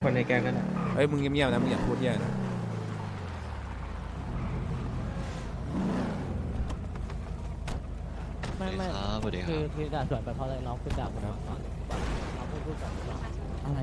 คนในแก๊งนั่นแหละเฮ้ยมึงเงียบๆนะมึงอย่าพูดเยอะนะไม่ครับสวัสดีคคืรัอบ คือด่าสวนไปเพราะอะไรน้องคุณด่าผมก่อนน้องพูดก่อนอะไร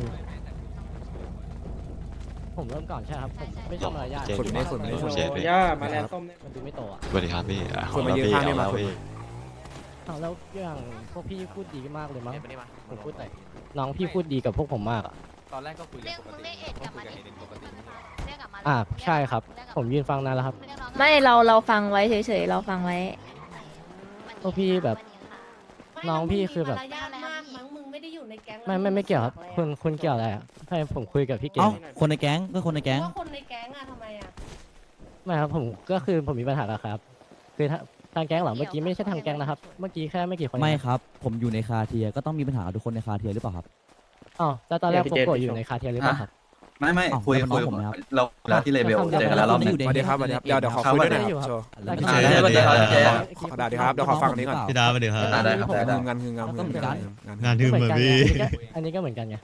ผมเริ่มก่อนใช่ครับผมไม่ชอบมารยาทเจ๊ฝึกไม่ฝึกไม่โอ้ฝึกโหย่ามาแลนส้มเนี่ยมันดูไม่โตอ่ะสวัสดีครับพี่คนมายืนข้างนี่มาแล้วคนพี่เอาแล้วอย่างพวกพี่พูดดีมากเลยมั้งผมพูดไหนน้องพี่พูดดีกับพวกผมมากอ่ะตอนแรกก็คุยเรียกมึงเรียกเอ็ดกลับมาดิเรียกกลับมาใช่ครับ ผมยืนฟังนานแล้วครับไม่เราฟังไว้เฉยๆเราฟังไว้พวกพี่แบบ น้องพี่คือแบบมารยาทมากมั้งมึงไม่ได้อยู่ในแก๊งไม่เกี่ยวครับคุณเกี่ยวอะไรอ่ะให้ผมคุยกับพี่เก่เอ้าง คนในแก๊งก็คนในแก๊งว่าคนในแก๊งอะทำไมอะไม่ครับผมก็คือผมมีปัญหาแล้วครับคือทางแก๊งเหรอเมื่อกี้ไม่ใช่ทางแก๊งนะครับเมื่อกี้แค่ไม่กี่คนไม่ครับ ผมอยู่ในคาเทียก็ต้องมีปัญหากับทุกคนในคาเทียหรือเปล่าครับอ๋อแล้วตอนแรกผมกดอยู่ในคาเทียหรือเปล่าครับไม่อ้าวคุยแล้วมันคุยน้องผมไหมครับเราที่เลเบลเจอกันแล้วรอบหนึงอยู่ในสวัสดีครับสวัสดีครับเดี๋ยวขอคุยด้วยหนะครับโชว์แล้วเจ๊สวัสดีครับเจ๊ขอได้ครับเดี๋ยวขอฟังอันนี้ก่อนพี่ดาสวัสดีครับได้ครับได้งานคืองานก็เหมือนกันงานดื่มเหมือนพี่อันนี้ก็เหมือนกันไง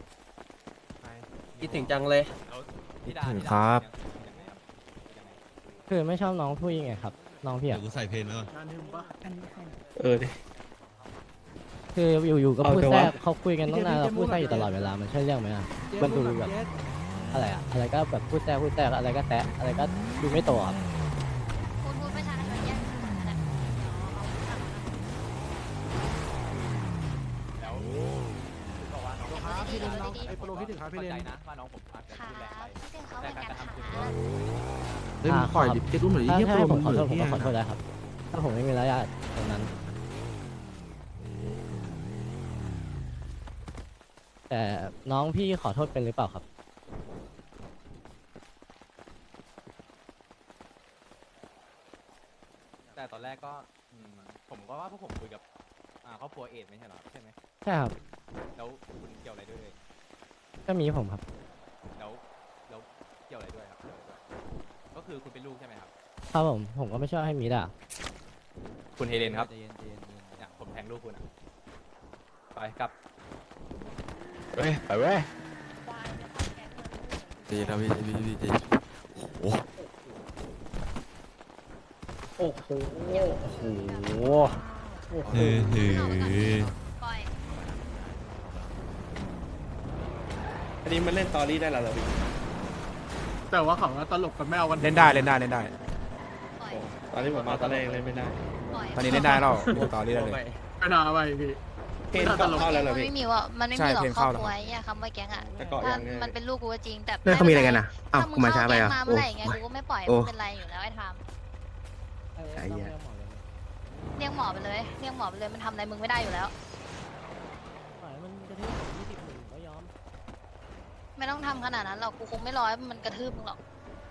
คิดถึงจังเลยถึงครับคือไม่ชอบน้องผู้หญิงไงครับน้องพี่เดี๋ยอ่ะวกูใส่เพลงแล้วก่อนดิคืออยู่ๆก็เอาพูดเถอะแทรวะกเขาคุยกันตั้งนานเราพูดแทรกอยู่ตลอดเวลามันใช่เรื่องไหมอ่ะมันดูแบบอะไรอ่ะอะไรก็แบบพูดแทรกอะไรก็แตะอะไรก็ดูไม่โตครับคุณพูดไม่ชัดเลยแยกกันหมดแล้ว พี่ลินน้องไอ้โปรพี่ถึงครับพี่ลินครับพี่ถึงเขาเหมือนกันค่ะเฮ้ยปล่อยดิเจ๊รู้เหมือนที่ให้ผมขอโทษผมก็ขอโทษได้ครับ ถ้าผมไม่มีระยะตรงนั้น แต่น้องพี่ขอโทษเป็นหรือเปล่าครับแต่ตอนแรกก็ผมก็ว่าพวกผมคุยกับครอบครัวเอดไม่ใช่เหรอใช่ไหมใช่ครับแล้วคุณเกี่ยวอะไรด้วยก็มีผมครับแล้วเกี่ยวอะไรด้วยครับเกี่ยวอะไรด้วยก็คือคุณเป็นลูกใช่ไหมครับครับผมก็ไม่ชอบให้มีด่าคุณเฮเลนครับเนี่ยผมแทงลูกคุณอะไปกลับเฮ้ยไปเว้ยควายจะเข้าแก๊งมันดีนะพี่โอ้โอ้โหฮือปล่อยอันนี้มันเล่นตอรี่ได้แล้วเหรอพี่แต่ว่าเขาตลกกันไม่เอากันเล่นได้เล่นได้เล่นได้ปล่อยตอนที่ผมมาตอนแรกเล่นไม่ได้ปล่อยตอนนี้เล่นได้แล้วดูต่อเรื่อยเลยไม่น่าไปพี่เพนเข้าแล้วเหรอมันพี่ไม่มีว่ามันไม่ใช่มีหรอกเพลงครอเข้าบแล้วครัวไอ้คำว่าแก๊งอ่ะแต่เกาะถ้ายังไงมันเป็นลูกกูก็จริงแต่เนี่ยเขามีอะไรกันนะอ้าวถ้ามึกูงมาช้าเข้าไปแก๊งอ่ะมาเมื่อไหร่ไงกูก็ไม่ปล่อยโอ้ไม่เป็นไรอยู่แล้วไอ้ทามไอ้เหี้ยเรียกหมอไปเลยเรียกหมอไปเลยมันทำอะไรมึงไม่ได้อยู่แล้วปล่อยมันกระทืบ20หนึ่งก็ยอมไม่ต้องทำขนาดนั้นหรอกกูคงไม่รอให้มันกระทืบมึงหรอก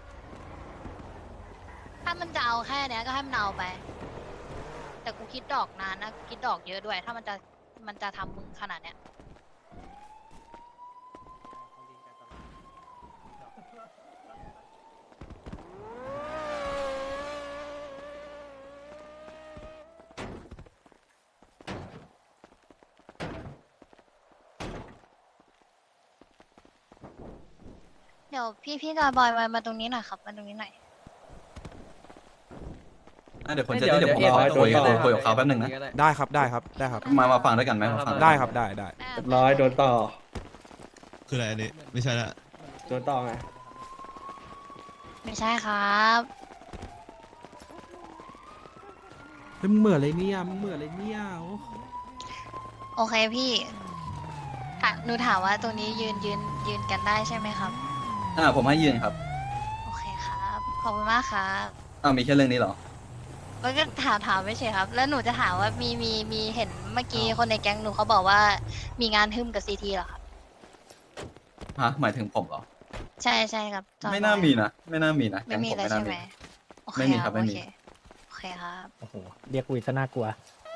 ถ้ามันจะเอาแค่เนี้ยก็ให้มันเอาไป แต่กูคิดดอกนานนะคิดดอกเยอะด้วย ถ้ามันจะทำมึงขนาดเนี้ย เดี๋ยวพี่จอยบอยมาตรงนี้หน่อยครับมาตรงนี้หน่อยเดี๋ยวคนเดี๋ยวผมรอคุยกับเขาแป๊บหนึงนะได้ครับได้ครับได้ครับมาฟังด้วยกันไหมมาฟังได้ครับได้เรียบร้อยโดนต่อคืออะไรอันนี้ไม่ใช่ละโดนต่อไงไม่ใช่ครับมึงเหมือนอะไรเนี่ยมึงเหมือนอะไรเนี่ยโอเคพี่หนูถามว่าตรงนี้ยืนกันได้ใช่ไหมครับผมให้ยืนครับโอเคครับ ขอบคุณมากครับมีแค่เรื่องนี้เหรอก็ถามไม่ใช่ครับ แล้วหนูจะถามว่ามีเห็นเมื่อกี้คนในแก๊งหนูเขาบอกว่ามีงานทึมกับซีทีเหรอครับฮะหมายถึงผมเหรอใช่ครับจอยไม่น่ามีนะไม่น่ามีนะไม่มีแก๊เลยงผใช่ไหมโอเคไม่มีครับไม่มีโอเคครับโอ้โหเรียกคุยซะน่ากลัว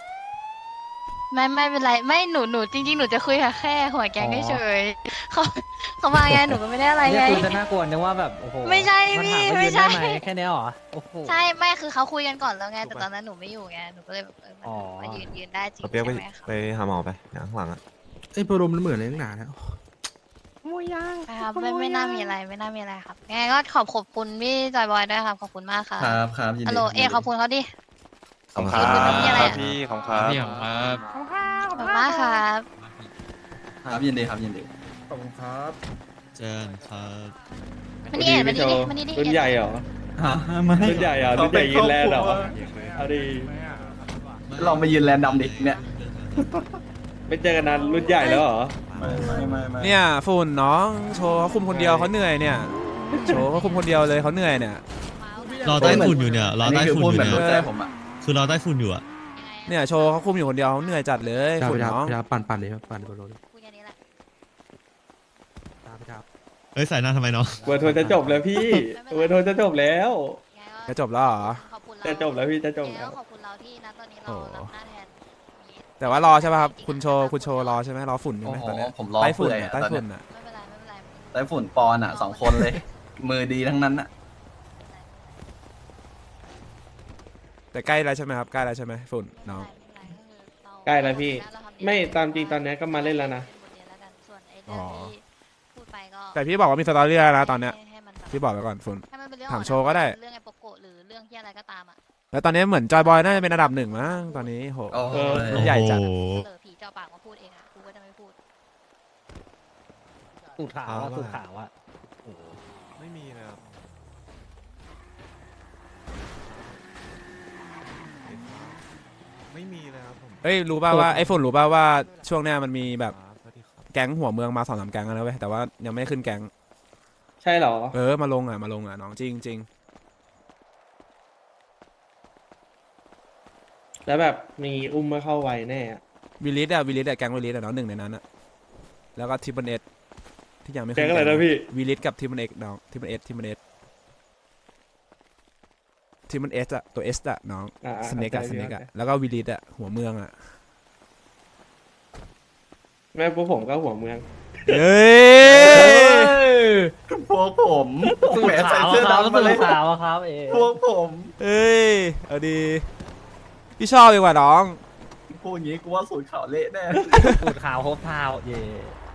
ไม่เป็นไรไม่หนูจริงๆหนูจะคุยกับแค่หัวแก๊งเฉยๆเขามาไงหนูก็ไม่ได้อะไรเรียไงกคุยซะน่ากลัวนึกว่าแบบโอ้โหไม่ใช่าพี่ถาว่าไม่ยืนใช่ด้หแค่เนี้ยเหรอโอ้โหใช่ไม่คือเขาคุยกันก่อนแล้วไงแต่ตอนนั้นหนูไม่อยู่ไงหนูก็เลยแบบอ๋อมายืนได้จริงเปียกใช่ไหมครับไปหาหมอไปข้างหลังอ่ะไอ้โปรมมันเหมือนอะไรตั้งนานแล้วโมยยางครับไม่น่ามีอะไรไม่น่ามีอะไรครับยังไงก็ขอบคุณพี่จอยบอยด้วยครับขอบคุณมากครับครับครับยินฮัลดีโหลเอขอบคุณเขาดิขอบคุณคุณมีอะไรอะพี่ของครับขอบคุณมากครับครับยินดีครับยินดีขอบคุณครับเจอกันครับมันนี่เอ็ดมันนี่ดิมันนี่ดิรุ่นใหญ่เหรอไม่รุ่นใหญ่เหรอรุ่นใหญ่ยืนแลนด์เหรอเอาดีลองไปยืนแลนด์ดำดิเนี่ยไม่เจอกันนานรุ่นใหญ่แล้วเหรอไม่เนี่ยฝุ่นน้องโชว์เขาคุมคนเดียวเขาเหนื่อยเนี่ย โชว์เขาคุมคนเดียวเลยเขาเหนื่อยเนี่ยรอใต้ฝุ่นอยู่เนี่ยรออันใต้นี้คือฝุ่นพูดอยู่แบบเนี่ยรู้ใจผมอ่ะคือรอใต้ฝุ่นอยู่อะเนี่ยโชว์เขาคุมอยู่คนเดียวเขาเหนื่อยจัดเลยฝุ่นน้องพี่ครับปั่นเลยครับปั่นบนรถคุยกันนี้แหละพี่ครับเอ้ยใส่หน้าทำไมเนาะเวอร์โทนจะจบแล้วพี่เวอร์โทนจะจบแล้วยังไงก็จะจบแล้วเหรอขอบคุณเราจะจบแล้วพี่จะจบยังไงแล้วก็ขอบคุณเราที่นะตอนนี้เราโอ้รับหน้าแทนแต่ว่ารอใช่ป่ะครับคุณโชว์รอใช่ไหมรอฝุ่นใช่โอ้ไหมโหตอนเนี้ยผมรอใต้ฝุ่นเปื่อยอะอะใต้ตอนฝุ่เนี้นยอ่ะไม่เป็นไรไม่เป็นไรไต้ฝุ่นปอนอ่ะ2 คนเลย มือดีทั้งนั้นอ่ะแต่ใกล้แล้วใช่ไหมครับใกล้แล้วใช่ไหมฝุ่นน้องใกล้แล้วพี่ ไม่ตามจริงตอนนี้ก็มาเล่นแล้วนะส่วนไอ้เรื่องที่พูดไปก็แต่พี่บอกว่ามีสตอรี่แล้วนะตอนเนี้ยให้มันแบบพี่บอกไปก่อนฝุ่นให้มันเป็นเรื่องถามโชว์ก็ได้เรื่องไอ้โปโกะหรือเรื่องที่อะไรก็ตามอ่ะแล้วตอนนี้เหมือนจอยบอยน่าจะเป็นอันดับ 1มั้งตอนนี้โหโอ้โหใหญ่จัดโอ้โหเออผีเจ้าปากมาพูดเองอ่ะกูก็จะไม่พูดสูตรขาวอะสูตรขาวอะไม่มีนะครับไม่มีเลยครับผมเอ้ยรู้ป่าวว่าไอ้ฝุ่นรู้ป่าวว่าช่วงเนี้ยมันมีแบบแก๊งหัวเมืองมา2-3แก๊งแล้วนะเว้ยแต่ว่ายังไม่ได้ขึ้นแก๊งใช่เหรอมาลงอ่ะน้องจริงแล้วแบบมีอุ้มมาเข้าไวแน่อะวิลิสแก๊งวิลิสอ่ะเนาะหนึ่งในนั้นอ่ะแล้วก็ทิปเปิลเอสที่ยังไม่แก๊งอะไรนะพี่วิลิสกับทิปเปิลเอสน้องทิปเปิลเอสอ่ะตัวเอสอ่ะน้องอ่าสเน็กอ่ะแล้วก็วิลิสอ่ะหัวเมืองอ่ะแม่พวกผมก็หัวเมืองเฮ้ยพวกผมแหมใส่เสื้อดำมาเลยขาวอะครับเอพวกผมเอ้ยเอาดีพี่ชอบดีกว่าน้องพูดอย่างนี้กูว่าสูตรขาวเละแน่สูตรขาวโฮปทาวเย่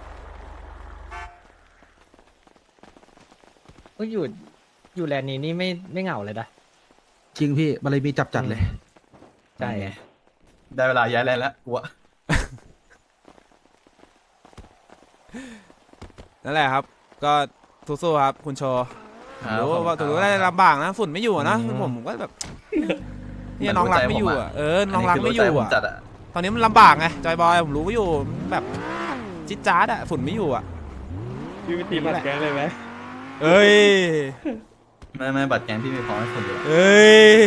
ก็อยู่แลนด์นี้นี่ไม่เหงาเลยนะจริงพี่มันเลยมีจัดเลยใช่ได้เวลาย้ายแลนด์แล้วกูอะนั่นแหละครับ ก็สู้ๆครับคุณโชว์รู้ว่าถือว่าได้ลำบากนะฝุ่นไม่อยู่อะนะผมก็แบบเนี่ยน้องรักไม่อยู่อ่ะน้องรักไม่อยู่อ่ะจัดอะตอนนี้มันลำบากไงจอยบอยผมรู้ว่าอยู่แบบจิ๊ดจ๊าดอ่ะฝุ่นไม่อยู่อ่ะพี่วิธีมัดแก๊งเลยไหมเอ้ยไม่บัตรแกงพี่ไม่พอให้คนเดียวเอ้ย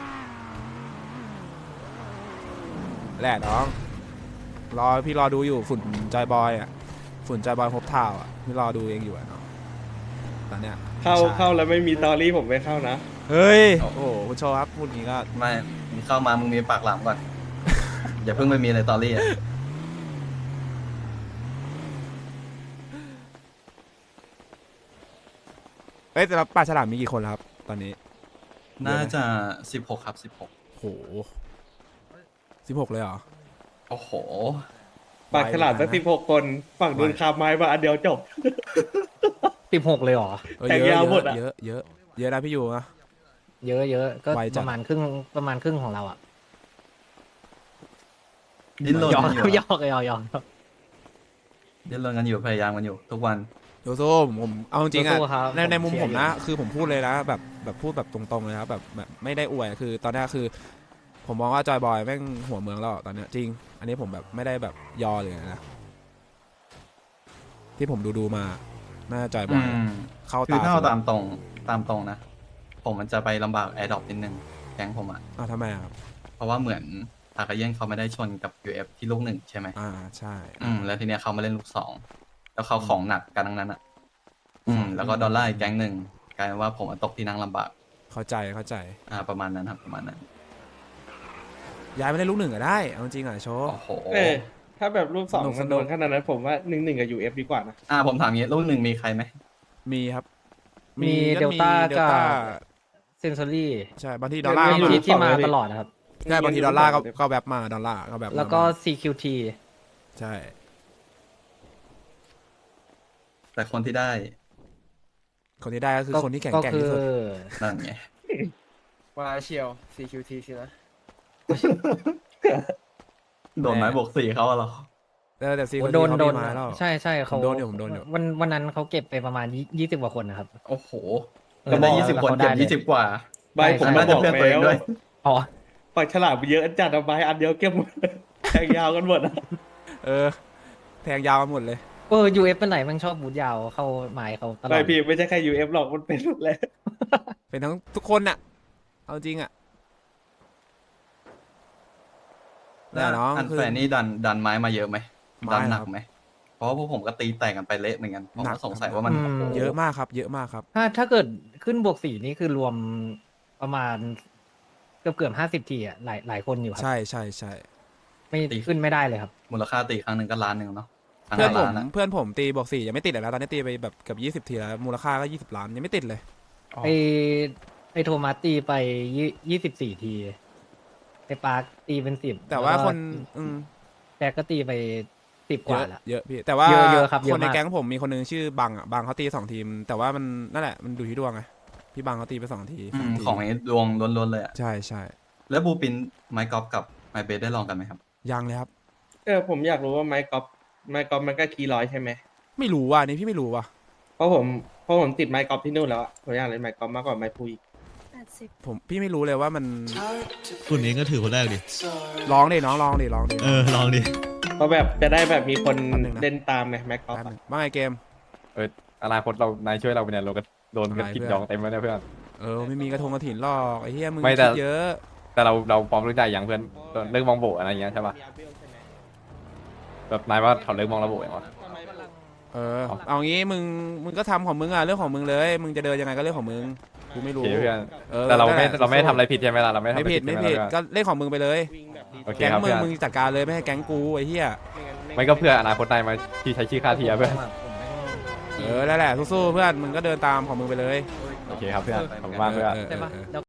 แหละน้องพี่รอดูอยู่ฝุ่นจอยบอยอ่ะฝุ่นจอยบอยพบทาวอ่ะพี่รอดูเองอยู่อ่ะน้องตอนเนี้ยเข้าแล้วไม่มีตอรี่ผมไม่เข้านะเฮ้ยโอ้โหคุณโชว์ครับพูดอย่างนี้ก็ไม่มึงเข้ามามึงมีปากหลามก่อน อย่าเพิ่งไปมีเลยตอรี่อะเอ้ยแต่ละป่าฉลามมีกี่คนแล้วครับตอนนี้น่าจะ16ครับ16 โห16เลยเหรอโอ้โหปากฉลาดสัก16 คนฝั่งโดนคาไม้มาอันเดียวจบ 16เลยเหรอเออแข่งเยยาวอะหมดอะเยอะนะพี่อยู่นะเยอะก็ไวจัปดระมาณครึ่งของเราอ่ะดิ้นรนยอกันอยู่ยอกดิ้นรนกันอยู่พยายามกันอยู่ ทุกวันโยโซ่ผมเอาจริงๆอะสู้ๆครับในมุมผมเชีผยร์มนะคือผมพูดเลยนะแบบพูดแบบตรงๆเลยครับแบบไม่ได้อวยคือตอนนี้คือ ผมมองว่าจอยบอยแม่งหัวเมืองแล้วตอนเนี้ยจริง อันนี้ผมแบบไม่ได้แบบยอเลยนะที่ผมดูมาน่าจะจอยบอย เข้าคือตาถ้าเอาสุดตามตรงนะ ผมมันจะไปลำบากแอร์ดรอปนิดนึงแก๊งผมอ่ะทำไมอะครับเพราะว่าเหมือนอากาเย็นเขาไม่ได้ชนกับ UF ที่ลูก 1 ใช่ไหมใช่แล้วทีเนี้ยเขามาเล่นลูก 2 แล้วเขาของหนักกันทั้งนั้นอ่ะ แล้วก็ดอลลาร์อีกแก๊งหนึ่งกลายเป็นว่าผมตกที่นั่งลำบากเข้าใจประมาณนั้นครับประมาณนั้นย้ายไปเล่นลูก 1ก็ได้เอาจริงอะโชว์โอ้โหถ้าแบบรูปสองสนุกมันโดนขนาดนั้นผมว่า1-1กับ UF ดีกว่านะผมถามงี้ลูก 1มีใครไหมมีครับมีก็ Delta เดลต้าเซนซอรี่ใช่บางทีดอลลาร์ไม่ก็รู้มาที่มาตลอดนะครับใช่บางทีดอลลาร์ก็แบบมาดอลลาร์ก็แบบมาแล้วก็ CQT ใช่แต่คนที่ได้คนที่ได้ก็คือคนที่แข็งแกร่งที่สุดนั่นไงว่าเชียว CQT สินะโดนไม้บวกสี่เขาอะเหรอแต่ซีคนโดที่นเขามีไม้แล้วใช่ใช่ผมโดนอยู่ผมโดนอยู่วันนั้นเขาเก็บไปประมาณ20กว่าคนนะครับโอ้โหเออแล้วได้บอก 20 คนเขาได้เก็บเลย 20 กว่าใบผมมาน่าบจะอกเพื่อนตัวเองแล้วด้วยอ๋อปากฉลาดเยอะจัดอะใบอันเดียวเก็บหมดแทงยาวกันหมดอะเออแทงยาวมาหมดเลย UF เป็นไหนมันชอบบูทยาวเข้าไม้เขาตลอไม่ดพี่ไม่ใช่แค่ UF หรอกมันเป็นหมดแล้วเป็นทั้งทุกคนน่ะเอาจริงอ่ะแต่น้องอันคือแฟนนี่ดันไม้มาเยอะไหมไม้ดันหนัคกรับไหม เพราะว่าพวกผมก็ตีแตกกันไปเละเหมือนกันผมหนัก็กสงสัยว่ามันอืมโโหเยอะมากครับ เยอะมากครับถ้าเกิดขึ้นบวก4นี่คือรวมประมาณเกือบ50ทีอ่ะหลายคนอยู่ครัใช่ใช่ใช่ไม่ขึ้นไม่ได้เลยครับมูลค่าตีครั้งหนึ่งก็ล้านหนึ่งเนาะครั้งเพื่อนละผมล้านอะเพื่อนผมตีบอก4ยังไม่ติดเลยนะตอนนี้ตีไปแบบเกือบ20ทีแล้วมูลค่าก็20 ล้านยังไม่ติดเลยไอโทมัสตีไป24ทีไอปาร์คตีเป็น10 แต่ว่าคนแจ็คก็ตีไป10กเยว่าอะละเยอะพี่แต่ว่าเยอะครับเยคอะนในมากแก๊งผมมีคนหนึงชื่อบังอ่ะบังเขาตี2 ทีม แต่ว่ามันนั่นแหละมันดูที่ดวงไงพี่บังเขาตีไป2 ทีอืสาม ทีของนี้ดวงล้วนๆเลยอะใช่ใช่แล้วบูปินไม้กอล์ฟกับไม้เบสได้ลองกันไหมครับยังเลยครับผมอยากรู้ว่าไม้กอล์ฟมันก็คีย์ร้อยใช่ไหมไม่รู้ว่ะนี่พี่ไม่รู้ว่ะเพราะผมติดไม้กอล์ฟที่นู่นแล้วอะผมอยากเล่นไม้กอล์ฟมากกว่าไม้พูอีกพี่ไม่รู้เลยว่ามันฝุ่นเองก็ถือคนแรกดิร้องดิน้องร้องดิลองดิเพราะแบบจะได้แบบมีคนแป๊บนึงนะเล่นตามไงไม้กอล์ฟแป๊บอะนึงว่าไงเกมอนาคตเรานายช่วยเราไปเนี่ยเราก็โดนกันอะไรกินเพื่อนยองเต็มแล้วเนี่ยเพื่อนไม่มีกระทงกระถินหรอกไอ้เหี้ยมึงไม่แต่คิดเยอะแต่เราพร้อมรู้ใจอย่างเพื่อนเลิกมองโบอะไรอย่างเงี้ยใช่ป่ะแบบนายว่าเขาเลิกมองระโบอย่างวะเอางี้มึงก็ทำของมึงอ่ะเรื่องของมึงเลย มึงจะเดินยังไงก็เรื่องของมึงกูไม่โอรู้เคเพื่อนออแต่เราไม่นั่นแหละเราไม่ได้ทำอะไรผิดใช่ไหมล่ะเราไม่ทำไม่อะไรผิดไม่ผิดใช่หก็เล่นของมึงไปเลยวิ่งแบบดีโอเคแก๊งครับมึเพื่งอนมึงจัดการเลยไม่ให้แก๊งกูไอ้เหี้ยไม่ก็เพื่ออนาคตนายมาที่ใช้ชื่อค่าเทียเพื่อนนั่นแหละสู้ๆเพื่อนมึงก็เดินตามของมึงไปเลยโอเคครับเพื่อนขอบคุณมากเพื่อนใช่ปะแล้ว